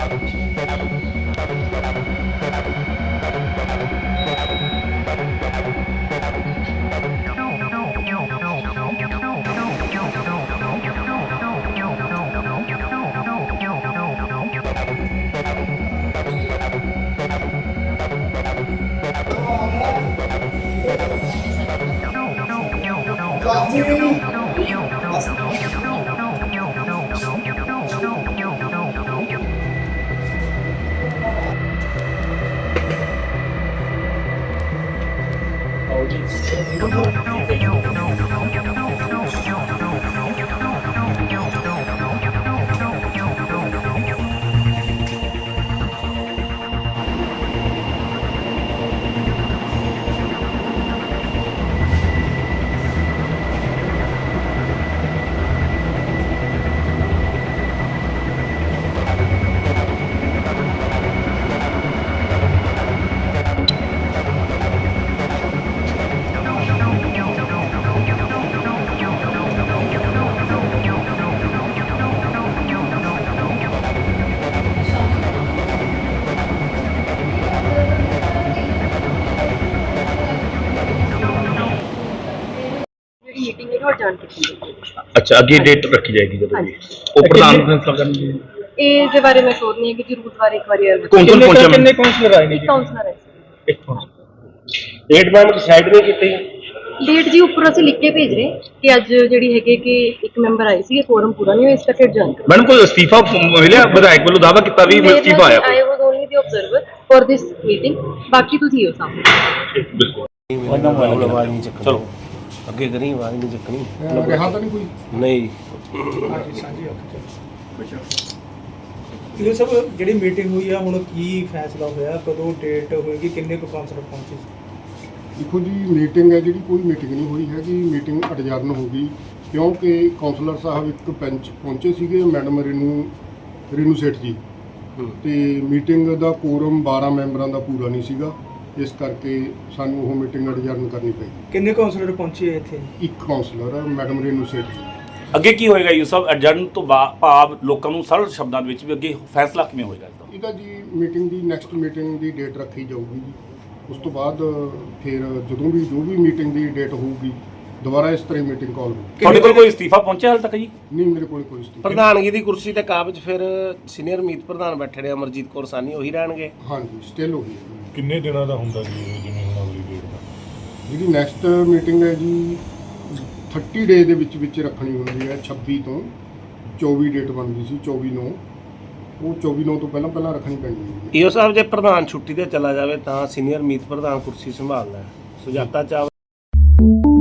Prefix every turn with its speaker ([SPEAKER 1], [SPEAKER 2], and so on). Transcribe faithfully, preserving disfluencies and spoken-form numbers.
[SPEAKER 1] अच्छा अगे डेट रखी जाएगी जब भी वो प्रधान फैसला करनगे
[SPEAKER 2] ए दे बारे में श्योर नहीं है कि जरूरत बारे एक बार
[SPEAKER 1] कौन कौन पहुंचा कितने
[SPEAKER 2] काउंसलर आए ने जी काउंसलर है
[SPEAKER 1] एक डेट मैम डिसाइड नहीं कीती
[SPEAKER 2] डेट जी ऊपर ਅਸੀਂ ਲਿਖ ਕੇ ਭੇਜ ਰਹੇ ਕਿ ਅੱਜ ਜਿਹੜੀ ਹੈਗੇ ਕਿ ਇੱਕ ਮੈਂਬਰ ਆਏ ਸੀ ਫੋਰਮ ਪੂਰਾ ਨਹੀਂ ਹੋਇਆ ਇਸ ਕਰਕੇ ਐਡਜਨ ਕਰੋ
[SPEAKER 1] ਮੈਡਮ ਕੋਈ ਅਸਤੀਫਾ ਮਿਲਿਆ ਵਿਧਾਇਕ ਵੱਲੋਂ ਦਾਅਵਾ ਕੀਤਾ ਵੀ ਅਸਤੀਫਾ ਆਇਆ
[SPEAKER 2] I was only the observer for this meeting ਬਾਕੀ ਤੁਸੀਂ ਹੋ ਸਾਹਮਣੇ
[SPEAKER 1] ਬਿਲਕੁਲ
[SPEAKER 3] ਉਹਨਾਂ ਵਾਲਾ ਆਵਾਜ਼ ਨਹੀਂ ਚੱਕਣੀ ਚਲੋ ਅੱਗੇ ਕਰੀ ਆਵਾਜ਼ ਨਹੀਂ ਚੱਕਣੀ
[SPEAKER 4] ਰਿਹਾ ਤਾਂ ਨਹੀਂ ਕੋਈ
[SPEAKER 3] ਨਹੀਂ
[SPEAKER 4] ਸਾਂਝੀ ਇਹ ਸਭ ਜਿਹੜੀ ਮੀਟਿੰਗ ਹੋਈ ਆ ਹੁਣ ਕੀ ਫੈਸਲਾ ਹੋਇਆ ਕਦੋਂ ਡੇਟ ਹੋਏਗੀ ਕਿੰਨੇ ਕੁ ਕਾਉਂਸਲਰ ਪਹੁੰਚੇ
[SPEAKER 5] देखो जी मीटिंग है जी कोई मीटिंग नहीं हुई हैगी मीटिंग अडजर्न हो गई क्योंकि काउंसलर साहब एक बेंच पहुंचे सीगे मैडम रेनू रेनू सेठ जी तो मीटिंग का कोरम बारह मैंबरों का पूरा नहीं सीगा इस करके सानू वो मीटिंग अडजर्न करनी पई
[SPEAKER 4] किन्ने काउंसलर पहुंचे इत्थे
[SPEAKER 5] एक काउंसलर है मैडम रेनू सेठ जी
[SPEAKER 6] ਅੱਗੇ ਕੀ ਹੋਏਗਾ ਇਹ ਸਭ ਐਡਜਰਨ ਤੋਂ ਭਾਵ ਲੋਕਾਂ ਨੂੰ ਸਰਲ ਸ਼ਬਦਾਂ ਦੇ ਵਿੱਚ ਵੀ ਅੱਗੇ ਫੈਸਲਾ ਕਿਵੇਂ ਹੋਏਗਾ
[SPEAKER 5] ਇਹਦਾ ਜੀ ਮੀਟਿੰਗ ਦੀ ਨੈਕਸਟ ਮੀਟਿੰਗ ਦੀ ਡੇਟ ਰੱਖੀ ਜਾਊਗੀ ਜੀ ਉਸ ਤੋਂ ਬਾਅਦ ਫਿਰ ਜਦੋਂ ਵੀ ਜੋ ਵੀ ਮੀਟਿੰਗ ਦੀ ਡੇਟ ਹੋਊਗੀ ਦੁਬਾਰਾ ਇਸ ਤਰ੍ਹਾਂ ਮੀਟਿੰਗ ਕਾਲ ਹੋਊਗੀ
[SPEAKER 6] ਤੁਹਾਡੇ ਕੋਲ ਕੋਈ ਅਸਤੀਫਾ ਪਹੁੰਚਿਆ ਹਾਲ ਤੱਕ ਜੀ
[SPEAKER 5] ਨਹੀਂ ਮੇਰੇ ਕੋਲ ਕੋਈ ਸਟੇਟ
[SPEAKER 3] ਪ੍ਰਧਾਨਗੀ ਦੀ ਕੁਰਸੀ ਤੇ ਕਾਬਜ ਫਿਰ ਸੀਨੀਅਰ ਮੀਤ ਪ੍ਰਧਾਨ ਬੈਠੇ ਨੇ ਅਮਰਜੀਤ ਕੌਰ ਸਾਨੀ ਉਹੀ ਰਹਿਣਗੇ
[SPEAKER 5] ਹਾਂਜੀ ਸਟਿਲ ਹੋ ਗਈ
[SPEAKER 7] ਕਿੰਨੇ ਦਿਨਾਂ ਦਾ ਹੁੰਦਾ ਜੀ ਇਹ ਜਿਵੇਂ ਹੁਣ ਅਗਲੀ ਡੇਟ ਦਾ
[SPEAKER 5] ਜਿਹੜੀ ਨੈਕਸਟ ਮੀਟਿੰਗ ਹੈ ਜੀ तीस ਡੇ ਦੇ ਵਿੱਚ ਵਿੱਚ ਰੱਖਣੀ ਹੁੰਦੀ ਹੈ ਛੱਬੀ ਤੋਂ ਚੌਵੀ ਡੇਟ ਬਣਦੀ ਸੀ ਚੌਵੀ ਨੂੰ ਉਹ ਚੌਵੀ ਨੂੰ ਤੋਂ ਪਹਿਲਾਂ ਪਹਿਲਾਂ ਰੱਖਣੀ ਪੈਂਦੀ ਹੈ
[SPEAKER 3] ਈਓ ਸਾਹਿਬ ਜੇ ਪ੍ਰਧਾਨ ਛੁੱਟੀ ਤੇ ਚਲਾ ਜਾਵੇ ਤਾਂ ਸੀਨੀਅਰ ਮੀਤ ਪ੍ਰਧਾਨ ਕੁਰਸੀ ਸੰਭਾਲਣਾ ਹੈ ਸੁਜਾਤਾ ਚਾਵਲਾ